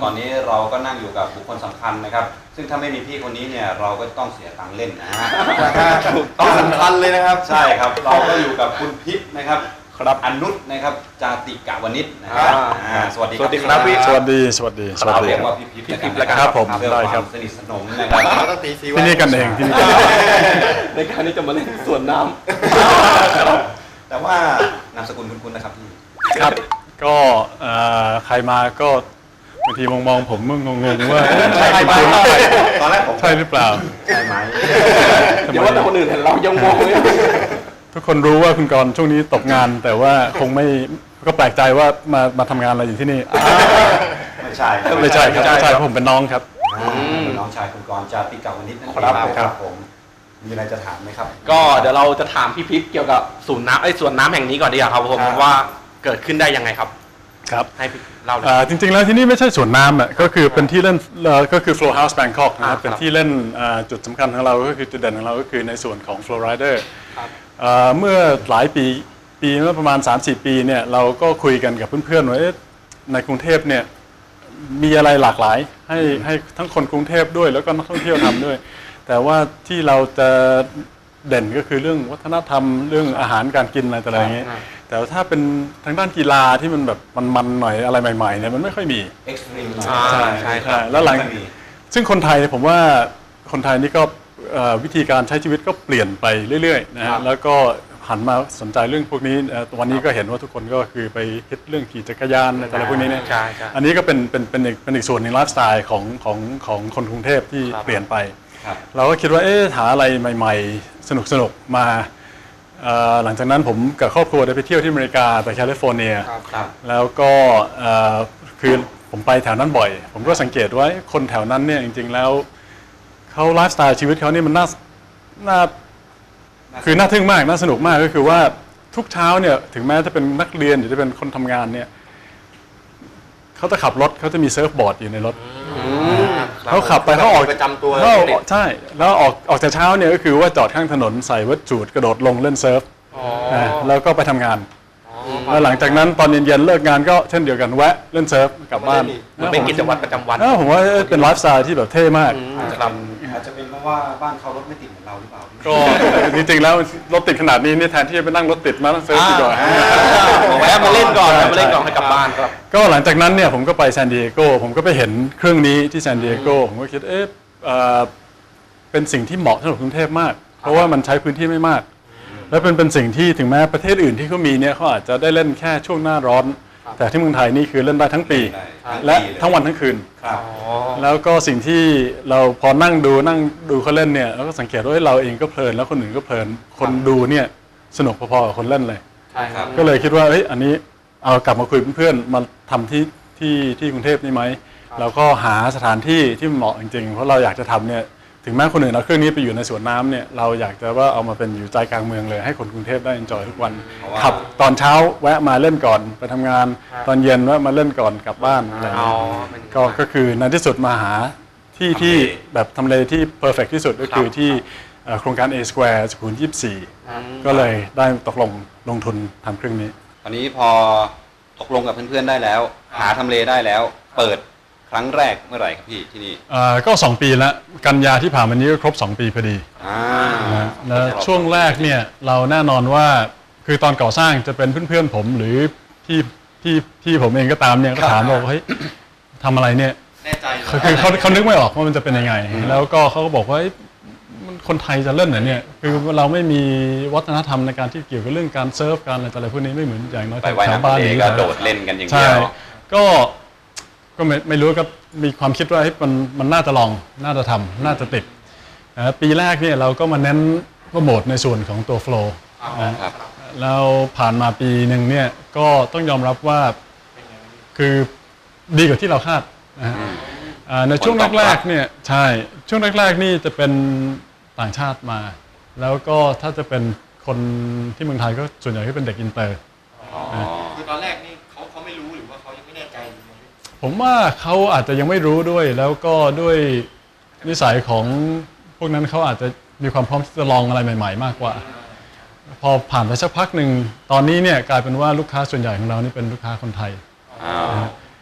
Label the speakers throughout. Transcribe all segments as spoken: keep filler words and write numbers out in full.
Speaker 1: ตอนนี้เราก็นั่งอยู่กับบุคคลสำคัญนะครับซึ่งถ้าไม่มีพี่คนนี้เนี่ยเราก็ต้องเสียตังค์เล่นนะฮะ
Speaker 2: ต้องสำคัญเลยนะครับ
Speaker 1: ใช่ครับเราก็อยู่กับคุณพิษนะครับครับอนุชนะครับจาติกะวณิชนะครับสวัสดีครับ
Speaker 3: พี่สวัสดีสวัสดีสวัสดี
Speaker 1: เรียกว่าพี่พิษนะครับ
Speaker 3: ครับผมได้ครับ
Speaker 1: สนิทสนมนะครับ
Speaker 3: ที่นี่กันเองที่นี่กัน
Speaker 2: ในการที่จะมาเล่นสวนน้
Speaker 1: ำแต่ว่านามสกุลคุณๆนะครับพี่
Speaker 3: ครับก็ใครมาก็บางทีมองมองผมมึงงงๆว่า
Speaker 1: ใช่ไหมตอนแรกผม
Speaker 3: ใช่หรือเปล่า
Speaker 1: ใช่ไหม
Speaker 2: เดี๋ยวว่าแต่คนอื่นเห็นเรายังงงเลย
Speaker 3: ทุกคนรู้ว่าคุณกรณ์ช่วงนี้ตกงานแต่ว่าคงไม่ก็แปลกใจว่ามามาทำงานอะไรอยู่ที่นี่
Speaker 1: ไม่ใช่
Speaker 3: ไม่ใช่ครับไม่ใช่ผมเป็นน้องครับ
Speaker 1: น้องชายคุณกรณ์จาติกะวณิชนั่นเองครับผมมีอะไรจะถามไหมครับ
Speaker 2: ก็เดี๋ยวเราจะถามพี่พิษเกี่ยวกับศูนย์น้ำไอ้สวนน้ำแห่งนี้ก่อนดีกว่าครับผมว่าเกิดขึ้นได้ยังไงครับ
Speaker 3: ครับ
Speaker 2: ให้เล่า
Speaker 3: จริงๆแล้วที่นี่ไม่ใช่สวนน้ำอ่ะก็คือเป็นที่เล่นก็คือ Flow House Bangkok นะครับเป็นที่เล่นจุดสำคัญของเราก็คือจุดเด่นของเราก็คือในส่วนของ Flow Rider เมื่อหลายปีปีเมื่อประมาณ สามสี่ ปีเนี่ยเราก็คุยกันกับเพื่อนๆว่าในกรุงเทพเนี่ยมีอะไรหลากหลายให้ให้ทั้งคนกรุงเทพด้วยแล้วก็นักท่องเที่ยวทำด้วยแต่ว่าที่เราจะเด่นก็คือเรื่องวัฒนธรรมเรื่องอาหารการกินอะไรต่างๆอย่างเงี้ยแต่ถ้าเป็นทางด้านกีฬาที่มันแบบมันๆหน่อยอะไรใหม่ๆเนี่ยมันไม่ค่อยมี
Speaker 1: เอ็กซ์ตรีม
Speaker 3: ใช่ใช่ใช่แล้วหลังซึ่งคนไทยผมว่าคนไทยนี่ก็วิธีการใช้ชีวิตก็เปลี่ยนไปเรื่อยๆนะฮะแล้วก็หันมาสนใจเรื่องพวกนี้วันนี้ก็เห็นว่าทุกคนก็คือไปฮิตเรื่องขี่จักรยานอะไรพวกนี้เนี่ยอันนี้ก็เป็นเป็นเป็นอีกเป็นอีกส่วนหนึ่งไลฟ์สไตล์ของของของคนกรุงเทพที่เปลี่ยนไปเราก็คิดว่าเอ๊ะหาอะไรใหม่ๆสนุกๆมาหลังจากนั้นผมกับครอบครัวได้ไปเที่ยวที่อเมริกาไปแคลิฟอร์เนียแล้วก็คือผมไปแถวนั้นบ่อยผมก็สังเกตว่าคนแถวนั้นเนี่ยจริงๆแล้วเขาไลฟ์สไตล์ชีวิตเขานี่มันน่าน่าคือน่าทึ่งมากน่าสนุกมากก็คือว่าทุกเช้าเนี่ยถึงแม้จะเป็นนักเรียนหรือจะเป็นคนทำงานเนี่ยเขาจะขับรถเขาจะมีเซิร์ฟบอร์ดอยู่ในรถเขาขับไปเขาออก
Speaker 2: ประจำตัว
Speaker 3: ใช่แล้วออกออกจากเช้าเนี่ยก็คือว่าจอดข้างถนนใส่วัดจูดกระโดดลงเล่นเซิร์ฟแล้วก็ไปทำงานแล้วหลังจากนั้นตอนเย็นๆเลิกงานก็เช่นเดียวกันแวะเล่นเซิร์ฟกลับบ้าน
Speaker 2: เป็นกิจวัตรประจำวัน
Speaker 3: ผมว่าเป็นไลฟ์สไตล์ที่แบบเท่มาก
Speaker 1: อาจจะเป็นเพราะว่าบ้านเขารถไม่ติดเหมือนเราหรือเปล่า
Speaker 3: ก็จริงๆแล้วรถติดขนาดนี้นี่แทนที่จะไปนั่งรถติดมานั่งเซิร์ฟดีกว่า
Speaker 2: แวะมาเล่นก่อนมาเล่นก่อนให้กลับบ้านครับ
Speaker 3: ก็หลังจากนั้นเนี่ยผมก็ไปซานดิเอโกผมก็ไปเห็นเครื่องนี้ที่ซานดิเอโกผมก็คิดเอ๊ะเป็นสิ่งที่เหมาะสำหรับกรุงเทพมากเพราะว่ามันใช้พื้นที่ไม่มากและเป็นเป็นสิ่งที่ถึงแม้ประเทศอื่นที่เขามีเนี่ยเขาอาจจะได้เล่นแค่ช่วงหน้าร้อนแต่ที่เมืองไทยนี่คือเล่นได้ทั้งปีและทั้งวันทั้งคืนแล้วก็สิ่งที่เราพอนั่งดูนั่งดูเขาเล่นเนี่ยเราก็สังเกตว่าเราเองก็เพลินแล้วคนอื่นก็เพลินคนดูเนี่ยสนุกพอๆกับคนเล่นเลยก็เลยคิดว่าเฮ้ยอันนี้เอากลับมาคุยเพื่อนๆมาทำที่ที่ที่กรุงเทพนี่ไหมเราก็หาสถานที่ที่เหมาะจริงๆเพราะเราอยากจะทำเนี่ยถึงแม้คนอื่นเอาเครื่องนี้ไปอยู่ในสวนน้ำเนี่ยเราอยากจะว่าเอามาเป็นอยู่ใจกลางเมืองเลยให้คนกรุงเทพได้เอนจอยทุกวันขับตอนเช้าแวะมาเล่นก่อนไปทำงานตอนเย็นแวะมาเล่นก่อนกลับบ้านอะไรอย่างเงี้ยก็ก็คือในที่สุดมาหาที่ที่แบบทำเลที่เพอร์เฟกที่สุดก็คือที่โครงการ A Square สุขุมวิทยี่สิบสี่ก็เลยได้ตกลงลงทุนทำเครื่องนี้
Speaker 1: ตอนนี้พอตกลงกับเพื่อนๆได้แล้วหาทำเลได้แล้วเปิดครั้งแรกเมื่อไหร่ครับพี่ที่นี่
Speaker 3: ก็สองปีแล้วกันยาที่ผ่านมานี้ก็ครบสองปีพอดีแล้วช่วงแรกเนี่ยเราแน่นอนว่าคือตอนก่อสร้างจะเป็นเพื่อนๆผมหรือที่ที่ที่ผมเองก็ตามเนี่ยก็ถามว่าเฮ้ยทำอะไรเนี่ย
Speaker 2: แน่ใจ
Speaker 3: คือเขาเขานึกไม่ออกว่ามันจะเป็นยังไงแล้วก็เขาก็บอกว่าคนไทยจะเล่นเหรอเนี่ยคือเราไม่มีวัฒนธรรมในการที่เกี่ยวกับเรื่องการเซิร์ฟการอะไรต่ออะไรพวกนี้ไม่เหมือนอย่างน้อย
Speaker 1: แถวบ้านนี้ก็โดดเล่นกันอย่างเดียว
Speaker 3: ก็ก็ไม่ไม่รู้ก็มีความคิดว่ามันมันน่าจะลองน่าจะทำน่าจะติดปีแรกเนี่ยเราก็มาเน้นโปรโมทในส่วนของตัวโฟล์แล้วผ่านมาปีหนึ่งเนี่ยก็ต้องยอมรับว่าคือดีกว่าที่เราคาดนะในช่วงแรกๆเนี่ยใช่ช่วงแรกๆนี่จะเป็นต่างชาติมาแล้วก็ถ้าจะเป็นคนที่เมืองไทยก็ส่วนใหญ่ก็เป็นเด็กอินเตอร์
Speaker 2: คือตอนแรกนี่เขาเขาไม่รู้หรือว่าเขายังไม่แน่ใจ
Speaker 3: ผมว่าเขาอาจจะยังไม่รู้ด้วยแล้วก็ด้วยนิสัยของพวกนั้นเขาอาจจะมีความพร้อมที่จะลองอะไรใหม่ๆมากกว่าพอผ่านไปสักพักหนึ่งตอนนี้เนี่ยกลายเป็นว่าลูกค้าส่วนใหญ่ของเรานี่เป็นลูกค้าคนไทย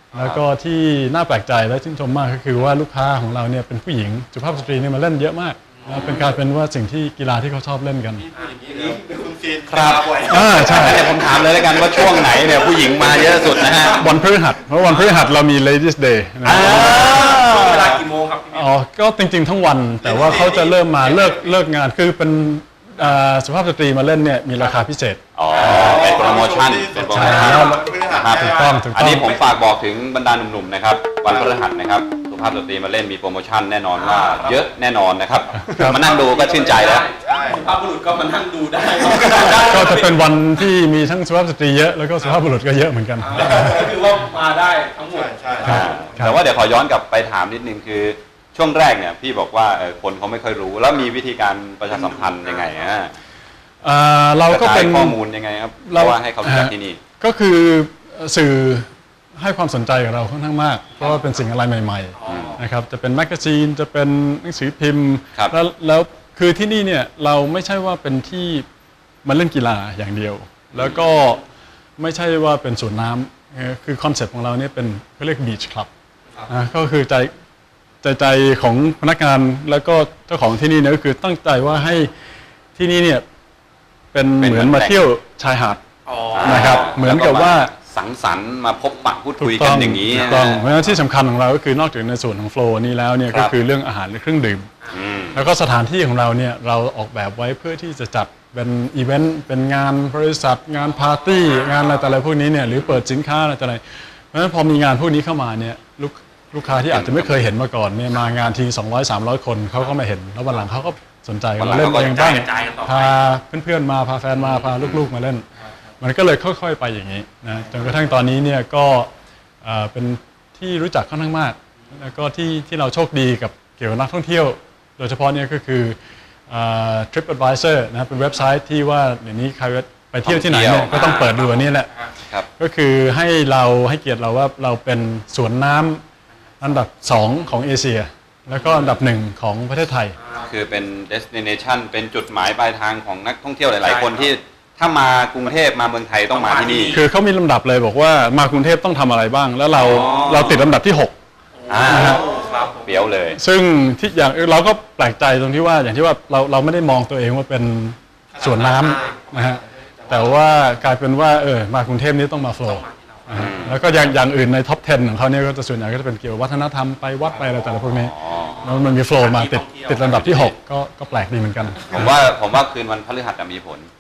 Speaker 3: แล้วก็ที่น่าแปลกใจและชื่นชมมากก็คือว่าลูกค้าของเราเนี่ยเป็นผู้หญิงสุภาพสตรีเนี่ยมาเล่นเยอะมากนะเป็นการเป็นว่าสิ่งที่กีฬาที่เขาชอบเล่นกัน
Speaker 4: คุณซีน
Speaker 1: ครับ
Speaker 4: บ่อย
Speaker 3: อ่าใช่
Speaker 1: เดี๋ยวผมถามเลยแล้วกันว่าช่วงไหนเนี่ยผู้หญิงมาเยอะสุดนะฮะ
Speaker 3: วันพฤหัสเพราะวันพฤหัสเรามี Ladies Day นะ
Speaker 2: ช่วงเวลากี่โมงครับพี่พิษ
Speaker 3: อ๋อก็จริงๆทั้งวัน แต่ว่าเขาจะเริ่มมาเลิกเลิกงานคือเป็นอ่าสุภาพสตรีมาเล่นเนี่ยมีราคาพิเศษ
Speaker 1: อ๋อเป็นโปรโมชั่นเป็นโปรโมชั่น
Speaker 3: ใช่
Speaker 1: ครับ
Speaker 3: ถูกต้องถูก
Speaker 1: อัน
Speaker 3: ต้อง
Speaker 1: นี้ผมฝากบอกถึงบรรดาหนุ่มๆนะครับวันพฤหัสนะครับสุภาพสตรีมาเล่นมีโปรโมชั่นแน่นอนว่าเยอะแน่นอนนะครับมานั่งดูก็ชื่นใจแล้ว
Speaker 4: ใช่
Speaker 2: สุภาพบุรุษก็มานั่งดูได้
Speaker 3: ก็จะเป็นวันที่มีทั้งสุภาพสตรีเยอะแล้วก็สุภาพบุรุษก็เยอะเหมือนกัน
Speaker 2: ก็คือว่ามาได้ทั้งหม
Speaker 4: ใช่
Speaker 2: ด
Speaker 4: ใช่
Speaker 1: อ่าแต่ว่าเดี๋ยวขอย้อนกลับไปถามนิดนึงคือช่วงแรกเนี่ยพี่บอกว่าเออคนเขาไม่ค่อยรู้แล้วมีวิธีการประชาสัมพันธ์ยังไงฮะ
Speaker 3: อ่าเราก็
Speaker 1: กระจา
Speaker 3: เป็
Speaker 1: ย
Speaker 3: น
Speaker 1: ข้อมูลยังไงครับเพ
Speaker 3: เรา
Speaker 1: ราะว่าให้เขารู้จักที่นี่
Speaker 3: ก็คือสื่อให้ความสนใจกับเราค่อนข้างมาก เพราะว่าเป็นสิ่งอะไรใหม่ๆนะครับจะเป็นแมกกาซีนจะเป็นหนังสือพิมพ์
Speaker 1: ครับ
Speaker 3: แล้วแล้วคือที่นี่เนี่ยเราไม่ใช่ว่าเป็นที่มาเล่นกีฬาอย่างเดียว แล้วก็ไม่ใช่ว่าเป็นสวนน้ำเอ่อคือคอนเซ็ปต์ของเราเนี่ยเป็นเขาเรียกบีชคลับนะก็คือใจใจใจของพนักงานแล้วก็เจ้าของที่นี่เนี่ยก็คือตั้งใจว่าให้ที่นี่เนี่ยเป็น
Speaker 1: เป็น
Speaker 3: เหมือน
Speaker 1: เหมื
Speaker 3: มา
Speaker 1: อน
Speaker 3: เที่ยวชายหาด
Speaker 2: อ๋อ
Speaker 3: นะครับเหมือนกับว่า
Speaker 1: สังสรรค์มาพบปะพูดคุยกันอย่างนี้
Speaker 3: ถูก
Speaker 1: นะ
Speaker 3: ต้อง
Speaker 1: ฮะ
Speaker 3: เพราะฉะนั้นที่สำคัญของเราก็คือนอกจากในส่วนของโฟล์นี้แล้วเนี่ย
Speaker 1: ครั
Speaker 3: ก็
Speaker 1: บ
Speaker 3: คือเรื่องอาหารและเครื่องดื่ม
Speaker 1: อืม
Speaker 3: แล้วก็สถานที่ของเราเนี่ยเราออกแบบไว้เพื่อที่จะจัดเป็นอีเวนต์เป็นงานบริษัทงานปาร์ตี้งานอะไรแต่อะไรพวกนี้เนี่ยหรือเปิดสินค้าอะไรแต่อะไรเพราะฉะนั้นพอมีงานพวกนี้เข้ามาเนี่ยลูกลูกค้าที่อาจจะไม่เคยเห็นมาก่อนเนี่ยมางานทีสองร้อยสามร้อยคนเขาก็มาเห็นแล้ววันหลังเขาก็สนใจ
Speaker 1: วันหลั
Speaker 3: มาง เล่น
Speaker 1: เขาก็
Speaker 3: เองบ้าง
Speaker 2: กระจายกันต่อไป
Speaker 3: พาเพื่อนๆมาพาแฟนมาพาลูกๆมาเล่น มันก็เลยค่อยๆไปอย่างนี้นะจนกระทั่งตอนนี้เนี่ยก็เอ่อเป็นที่รู้จักค่อนข้างมากแล้วก็ที่ที่เราโชคดีกับเกี่ยวกับนักท่องเที่ยว โดยเฉพาะเนี่ยก็คือเอ่อ TripAdvisor นะเป็นเว็บไซต์ที่ว่าเดี๋ยวนี้ใครไปเที่ยวที่ไหนเนี่ยก็ต้องเปิดดูอันนี้แหละ
Speaker 1: ครับ
Speaker 3: ก็คือให้เราให้เกียรติเราว่าเราเป็นสวนน้ำอันดับสองของเอเชีย แล้วก็อันดับหนึ่งของประเทศไทย
Speaker 1: คือเป็น destination เป็นจุดหมายปลายทางของนักท่องเที่ยวหลาย ๆ คนที่ถ้ามากรุงเทพมาเมืองไทยต้องมาที่นี่
Speaker 3: คือเขามีลำดับเลยบอกว่ามากรุงเทพต้องทำอะไรบ้าง แล้วเรา
Speaker 1: อ๋อ
Speaker 3: เราติดลำดับที่หก
Speaker 1: อ่า
Speaker 2: ครับผม
Speaker 1: เปรี้ยวเลย
Speaker 3: ซึ่งที่อย่างเราก็แปลกใจตรงที่ว่าอย่างที่ว่าเราเราไม่ได้มองตัวเองว่าเป็นสวนน้ำนะฮะแต่ว่ากลายเป็นว่าเออมากรุงเทพนี้ต้องมาโฟล์นะฮะแล้วก็อย่างอย่างอื่นในท็อปสิบของเขาเนี่ยก็จะส่วนใหญ่ก็จะเป็นเกี่ยวกับวัฒนธรรมไปวัดไปอะไรแต่ละพวกนี้
Speaker 1: อ๋อ
Speaker 3: แล้วมันมีโฟล์มาติดติดลำดับที่หกก็ก็แปลกดีเหมือนกัน
Speaker 1: ผมว่าผมว่าคืนวันพฤหัสจะมีผล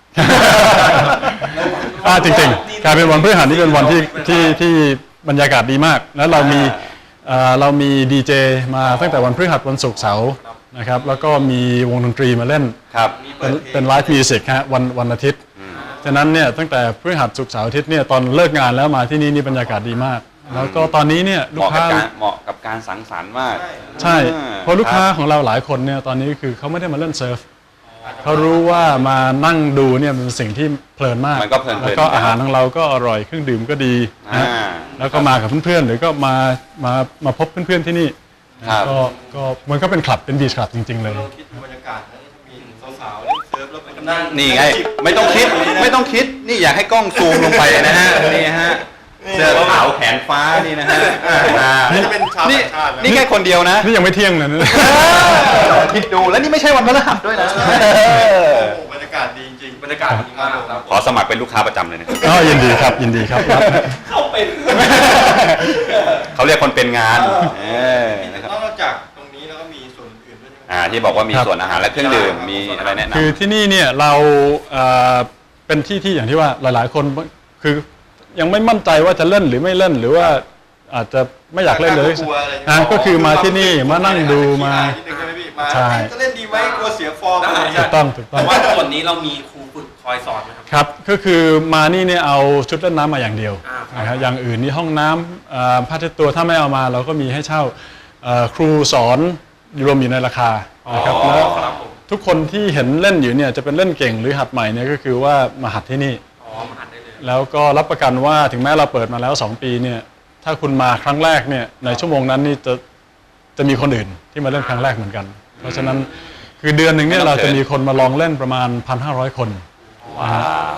Speaker 3: อ่าจริงๆกลายเป็นวันพฤหัสนี่เป็นวันที่ที่ที่บรรยากาศดีมาก แล้วเรามีเอ่อเรามีดีเจมาตั้งแต่วันพฤหัสวันศุกร์เสาร์นะครับแล้วก็มีวงดนตรีมาเล่น
Speaker 1: ครับ
Speaker 3: เป็นเป็นไลฟ์มิวสิกฮะวันวันอาทิตย์ฉะนั้นเนี่ยตั้งแต่พฤหัสศุกร์เสาร์อาทิตย์เนี่ยตอนเลิกงานแล้วมาที่นี่นี่บรรยากาศดีมาก แล้วก็ตอนนี้เนี่ย
Speaker 1: เห
Speaker 3: ลูก
Speaker 1: มาะกับ
Speaker 3: ค้า
Speaker 1: การเหมาะกับการสังสรรค์มาก
Speaker 3: ใช่
Speaker 1: อ่า
Speaker 3: เพราะลูกค้า
Speaker 1: ครับ
Speaker 3: ของเราหลายคนเนี่ยตอนนี้คือเขาไม่ได้มาเล่นเซิร์ฟเขารู้ว่ามานั่งดูเนี่ยมันเป็นสิ่งที่เพลินมาก
Speaker 1: มันก็เพลินๆ
Speaker 3: แล้วก็อาหารของเราก็อร่อยเครื่องดื่มก็ดีนะ
Speaker 1: อ่า
Speaker 3: แล้วก็มากับเพื่อนๆหรือก็มามามาพบเพื่อนๆที่นี่
Speaker 1: ครับ
Speaker 3: ก็ก็มันก็เป็นคลับเป็นบีชคลับจริงๆเลย
Speaker 4: เราคิดดูบรรยากาศนะถ้ามีสาวๆเล่นเซิร์ฟแล้วไปกำลัง
Speaker 1: นี่ไง ไม่ต้องคิดไม่ต้องคิดนี่อยากให้กล้องซูมลงไปนะฮะนี่ฮะเสื้อขาวแขนฟ้านี่นะฮะอ่า
Speaker 4: นี่จะเป็นชาว
Speaker 1: นี่
Speaker 4: ต่างชาตินะ
Speaker 1: นี่แค่คนเดียวนะ
Speaker 3: นี่ยังไม่เที่ยงเลยนะ
Speaker 1: คิดดูแล้วนี่ไม่ใช่วันพฤหัสด้วยนะ
Speaker 4: โอ้โหบรรยากาศดีจริงๆ
Speaker 2: บรรยากาศดีมากครับ
Speaker 1: ขอสมัครเป็นลูกค้าประจำเลยนะ
Speaker 3: ก็ยินดีครับยินดีครับรับนะ
Speaker 2: เข้าเป็น
Speaker 1: เขาเรียกคนเป็นงานเออนะครับ
Speaker 4: นอกจากตรงนี้แล้วก็มีส่วนอื่นด้วยใช่ไหม
Speaker 1: อ่าที่บอกว่ามีส่วนอาหารและเครื่องดื่มมีอะไรแนะน
Speaker 3: คือที่นี่เนี่ยเราเอ่อเป็นที่ที่อย่างที่ว่าหลายๆ คนคือยังไม่มั่นใจว่าจะเล่นหรือไม่เล่นหรือว่าอาจจะไม่อยากเล่นเลย
Speaker 4: กลัวอะไรอย่าง
Speaker 3: นะ
Speaker 4: เงี้ย
Speaker 3: ก็คือมาที่นี่มานั่งดูมา
Speaker 4: นิดนึงใช่ไหมพี่มา
Speaker 3: ใช่
Speaker 4: จะเล่นดีไหมกลัวเสียฟอร์มอะไรอย่าง
Speaker 3: ถู
Speaker 4: เงี้ย
Speaker 3: กต้องถูกต้อง
Speaker 2: แต่ว่าส่วนนี้เรามีครูฝึกคอยสอนไหมครับ
Speaker 3: ครับก็คือมานี่เนี่ยเอาชุดเล่นน้ำมาอย่างเดียว
Speaker 2: อ่าครับ
Speaker 3: นะครับอย่างอื่นนี่ห้องน้ำเอ่อผ้าเช็ดตัวถ้าไม่เอามาเราก็มีให้เช่าเอ่อครูสอนรวมอยู่ในราคานะครับแล้ว
Speaker 2: ครับผม
Speaker 3: ทุกคนที่เห็นเล่นอยู่เนี่ยจะเป็นเล่นเก่งหรือหัดใหม่เนี่ยก็คือว่ามาหัดที่นี่
Speaker 2: อ๋อมาหัดได้เลย
Speaker 3: แล้วก็รับประกันว่าถึงแม้เราเปิดมาแล้วสองปีเนี่ยถ้าคุณมาครั้งแรกเนี่ยในชั่วโมงนั้นนี่จะจะมีคนอื่นที่มาเล่นครั้งแรกเหมือนกัน เพราะฉะนั้นคือเดือนหนึ่งเนี่ยเราจะมีคนมาลองเล่นประมาณ หนึ่งพันห้าร้อย คน
Speaker 1: ำว้าว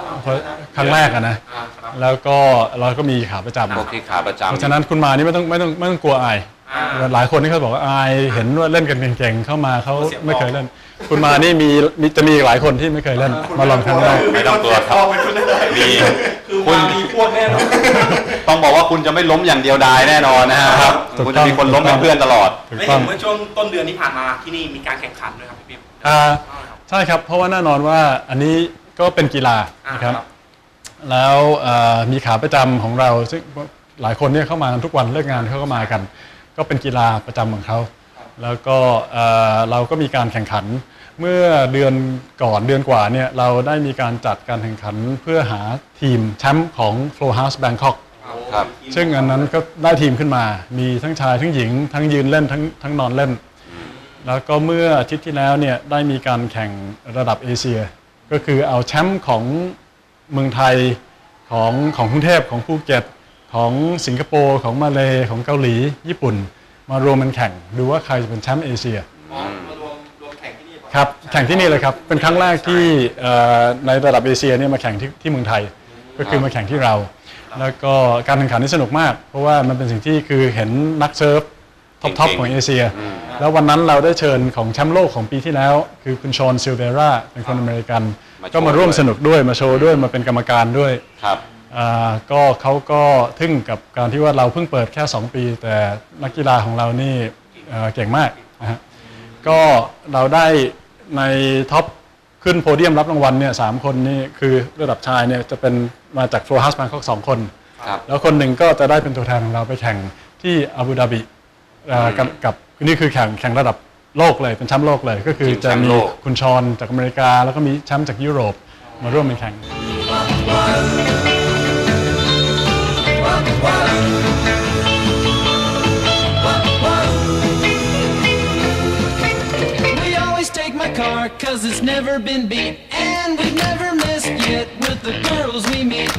Speaker 3: เพราะครั้งแรกอะนะ
Speaker 2: อ่าครับ
Speaker 3: แล้วก็เราก็มีขาประจำ
Speaker 1: พวกที่ขาประจำ
Speaker 3: เพราะฉะนั้นคุณมานี่ไม่ต้องไม่ต้องไม่ต้องกลัวอาย
Speaker 2: อ่า
Speaker 3: หลายคนที่เขาบอกว่าอายเห็นว่าเล่นกันเก่งๆเข้ามาเขา
Speaker 2: เสียง
Speaker 3: ไม่เคยเล่น คุณมานี่มีมีจะมีอีกหลายคนที่ไม่เคยเล่นมาลองครั้งแรก
Speaker 1: ไม่ต้องกลัวครับ
Speaker 4: เป็นคนได้
Speaker 1: มี
Speaker 4: คือมามีพวกแน่นอน
Speaker 1: ต้องบอกว่าคุณจะไม่ล้มอย่างเดียวดายแน่นอนนะฮะครับ
Speaker 3: ถูกต้อง
Speaker 1: คุณจะมีคนล้มเป็นเพื่อนตลอด
Speaker 3: ถูก
Speaker 2: ไม่
Speaker 3: ต้
Speaker 2: เห็
Speaker 3: อง
Speaker 2: นเมื่อช่วงต้นเดือนที่ผ่านมาที่นี่มีการแข่งขันด้วยครับพี่ปิ๊บ
Speaker 3: อ่าใช่ครับเพราะว่าแน่นอนว่าอันนี้ก็เป็นกีฬา
Speaker 2: อ่า
Speaker 3: นะครับ
Speaker 2: ครับ
Speaker 3: แล้วเอ่อมีขาประจำของเราซึ่งหลายคนเนี่ยเข้ามากันทุกวันเลิกงานเขาก็มากัน ก็เป็นกีฬาประจำของเขาแล้วก็เอ่อเราก็มีการแข่งขัน เมื่อเดือนก่อนเดือนกว่าเนี่ยเราได้มีการจัดการแข่งขันเพื่อหาทีมแชมป์ของ Flow House Bangkok
Speaker 1: ครับ
Speaker 3: ซึ่งอันนั้นก็ได้ทีมขึ้นมา มีทั้งชายทั้งหญิง ทั้งยืนเล่นทั้งทั้งนอนเล่น แล้วก็เมื่ออาทิตย์ที่แล้วเนี่ยได้มีการแข่งระดับเอเชีย ก็คือเอาแชมป์ของเมืองไทยของของกรุงเทพของภูเก็ตของสิงคโปร์ของมาเลย์ของเกาหลีญี่ปุ่น มารวมกันแข่งดูว่าใครจะเป็นแชมป์เอเชีย
Speaker 4: อ๋อมารวมรวมแข่งที่นี่ป่ะ
Speaker 3: ครับแข่งที่นี่เลยครับ เป็นครั้งแรกที่เอ่อในระดับเอเชียเนี่ยมาแข่งที่ที่เมืองไทย ก็คือมาแข่งที่เรา แล้วก็การแข่งขันนี่สนุกมาก เพราะว่ามันเป็นสิ่งที่คือเห็นนักเซิร์ฟท็อปทอปของเอเชีย แล้ววันนั้นเราได้เชิญของแชมป์โลกของปีที่แล้ว คือคุณชอนซิลเวราเป็นคนอเมริกัน
Speaker 1: มาโชว์
Speaker 3: ก็มาร่วม
Speaker 1: ด้วย
Speaker 3: สนุกด้วยมาโชว์ด้วยมาเป็นกรรมการด้วย
Speaker 1: ครับ
Speaker 3: อ่าก็เขาก็ทึ่งกับการที่ว่าเราเพิ่งเปิดแค่ สอง ปี แต่นักกีฬาของเรานี่เอ่อเก่งมากนะฮะก็เราได้ในท็อปขึ้นโพเดียมรับรางวัลเนี่ยสามคนนี่คือระดับชายเนี่ยจะเป็นมาจาก Flow House Bangkok สองคน
Speaker 1: ครับ
Speaker 3: แล้วคนหนึ่งก็จะได้เป็นตัวแทนของเราไปแข่งที่อาบูดาบิเอ่อกับกับนี่คือแข่งแข่งระดับโลกเลยเป็นแชมป์โลกเลย ก็คือ
Speaker 1: ชิงแช
Speaker 3: จะ
Speaker 1: มป์
Speaker 3: มี
Speaker 1: โลก
Speaker 3: คุณชอนจากอเมริกา แล้วก็มีแชมป์จากยุโรปมาร่วมเป็นแข่ง
Speaker 5: We always take my car cause it's never been beat. And we've never missed yet with the girls we meet.